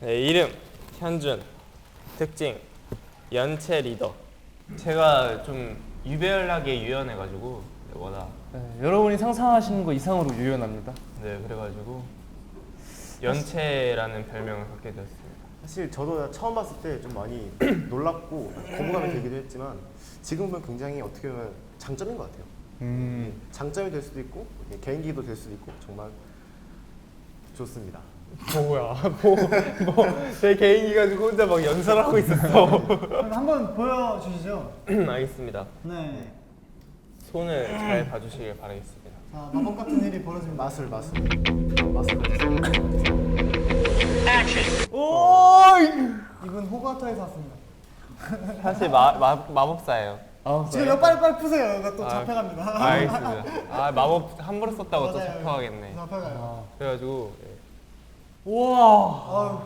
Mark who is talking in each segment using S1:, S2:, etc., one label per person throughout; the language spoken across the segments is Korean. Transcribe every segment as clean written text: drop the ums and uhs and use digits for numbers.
S1: 네, 이름 현준, 특징 연체 리더. 제가 좀 유별나게 유연해가지고 워낙
S2: 여러분이 상상하시는 거 이상으로 유연합니다.
S1: 네 그래가지고 연체라는 별명을 갖게 되었습니다.
S3: 사실 저도 처음 봤을 때 좀 많이 놀랍고 거부감이 들기도 했지만 지금 보면 굉장히 어떻게 보면 장점인 것 같아요. 장점이 될 수도 있고 개인기도 될 수도 있고 정말 좋습니다.
S1: 뭐야? 제 개인기 가지고 혼자 막 연설하고 있었어.
S4: 그럼 한번 보여주시죠.
S1: 알겠습니다.
S4: 네.
S1: 손을 잘 봐주시길 바라겠습니다.
S4: 자, 마법 같은 일이 벌어지면
S3: 맛을
S4: 이분 호가타에서 왔습니다.
S1: 사실 마법사예요.
S4: 지금 빨리 푸세요. 이거 또 잡혀갑니다.
S1: 알겠습니다. 아 마법 함부로 썼다고 또
S4: 맞아요.
S1: 잡혀가겠네.
S4: 잡혀가요.
S1: 그래가지고
S4: 우와.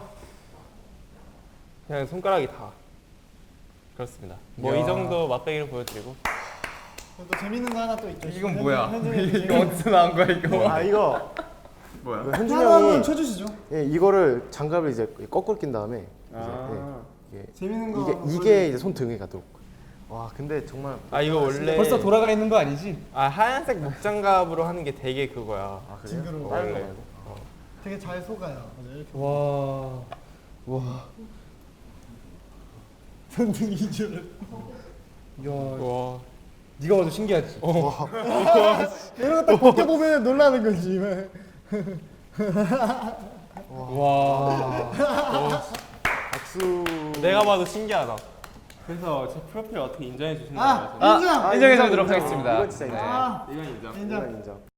S1: 그냥 손가락이 다 그렇습니다. 뭐 이 정도 맛배기를 보여드리고.
S4: 또 재밌는 거 하나 또 있죠.
S2: 이건 뭐야?
S4: 현준이
S2: 이거 어디서 나온 거야 이거?
S3: 아 이거
S2: 뭐야?
S3: 현준이
S4: 하나 한번
S3: 형이
S4: 쳐주시죠.
S3: 예, 이거를 장갑을 이제 거꾸로 낀 다음에 이제
S4: 재밌는 거 한번
S3: 이게 이제 손 등에 가도록. 와 근데 정말
S1: 이거 원래
S2: 벌써 돌아가 있는 거 아니지?
S1: 하얀색 목장갑으로 하는 게 되게 그거야.
S3: 아 그래요?
S4: 징그러워.
S3: 다른 거
S1: 원래.
S3: 말고.
S4: 되게 잘 속아요. 맞아요. 이렇게
S2: 와.
S4: 손등 이주를.
S2: 야,
S1: 와.
S2: 네가 봐도 신기하지.
S4: 이런 거 딱 벗겨보면 놀라는 거지.
S2: 와.
S3: 박수.
S1: 내가 봐도 신기하다. 그래서 제 프로필 어떻게 인정해 주신다고
S4: 인정.
S2: 인정해 주도록 하겠습니다.
S3: 이건 진짜 인정.
S4: 아,
S1: 이건 인정.
S4: 인정.
S3: 인정.